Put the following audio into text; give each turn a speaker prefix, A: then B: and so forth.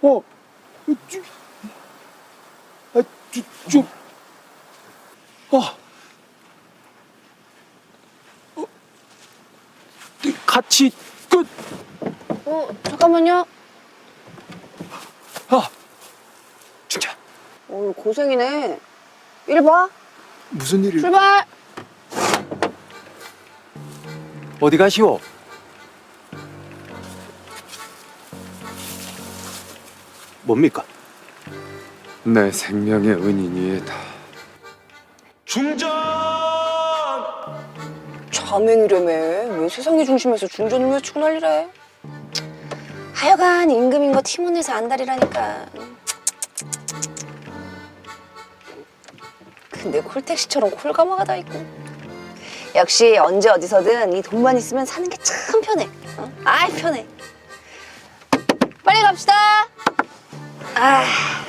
A: 같이 끝.
B: 잠깐만요.
A: 진짜
B: 고생이네. 이리 봐.
A: 무슨 일이?
B: 출발.
A: 어디 가시오? 뭡니까?
C: 내 생명의 은인이다.
A: 중전!
B: 자맹이라며. 왜 세상의 중심에서 중전을 외치고 난리래. 하여간 임금인 거 티몬에서 안달이라니까. 근데 콜택시처럼 콜가마가 다 있고. 역시 언제 어디서든 이 돈만 있으면 사는 게 참 편해. 아이 편해. 빨리 갑시다.